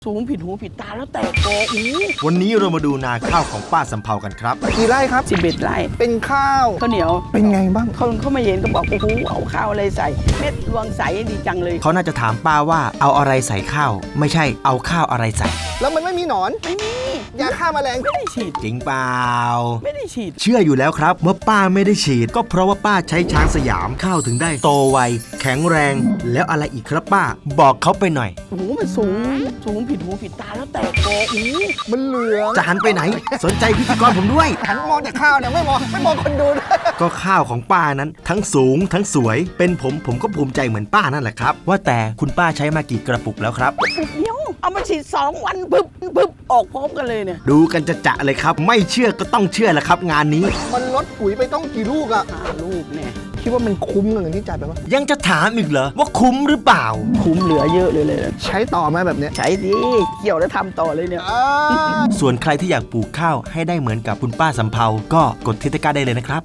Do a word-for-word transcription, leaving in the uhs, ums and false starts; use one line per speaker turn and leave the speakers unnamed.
สูงผิดหูผิดตาแล้วแตกกออู้
วันนี้เรามาดูนาข้าวของป้าสำเภากันครับ
กี่ไร่ครับ
สิบเอ็ดไร่
เป็นข้าว
ข้าวเหนียว
เป็นไงบ้าง
เขาเขามาเห็นก็บอกโอ้โหเอาข้าวอะไรใส่เม็ดรวงใสดีจังเลย
เขาน่าจะถามป้าว่าเอาอะไรใส่ข้าว ไม่ใช่เอาข้าวอะไรใส่
แล้วมันไม่มีหนอน
ไม่มี
ยาฆ่าแมลง
ไม่ได้ฉีด
จริงเปล่า
ไม่ได้ฉีด
เชื่ออยู่แล้วครับว่าป้าไม่ได้ฉีด ก็เพราะว่าป้าใช้ช้างสยามข้าวถึงได้โตไวแข็งแรง แล้วอะไรอีกครับป้า บอกเขาไปหน่อย
โอ้โหมันสูงสูงผิดหูผิดตาแล้วแตกกออู้
มันเหลือง
จะหันไปไหน สนใจพิธีกรผมด้วย
หันมองแต่ข้าวเนี่ยไม่มองไม่มองคนดูด้วย
ก็ข้าวของป้านั้น ทั้งสูงทั้งสวย เป็นผมผมก็ภูมิใจเหมือนป้านั่นแหละครับ ว่าแต่คุณป้าใช้มากี่กระปุกแล้วครับ
ปุ๊บเดียวเอามาฉีดสองวันปึ๊บปึ๊บออกพร้อมกันเลยเนี่ย
ดูกันจะจะเลยครับ ไม่เชื่อก็ต้องเชื่อแหละครับ งานนี้
มันลดปุ๋ยไปต้องกี่ลูกอะ
ห้าลูกเนี่ย
คิดว่ามันคุ้มกับเงินที่จ่ายไปปะ
ยังจะถามอีกเหรอว่าคุ้มหรือเปล่า
คุ้มเหลือเยอะเลยเลย
ใช้ต่อไหมแบบเนี้ย
ใช้ดิเกี่ยวแล้วทำต่อเลยเนี่ย
อ่า
ส่วนใครที่อยากปลูกข้าวให้ได้เหมือนกับคุณป้าสำเภาก็กดที่ตะกร้าได้เลยนะครับ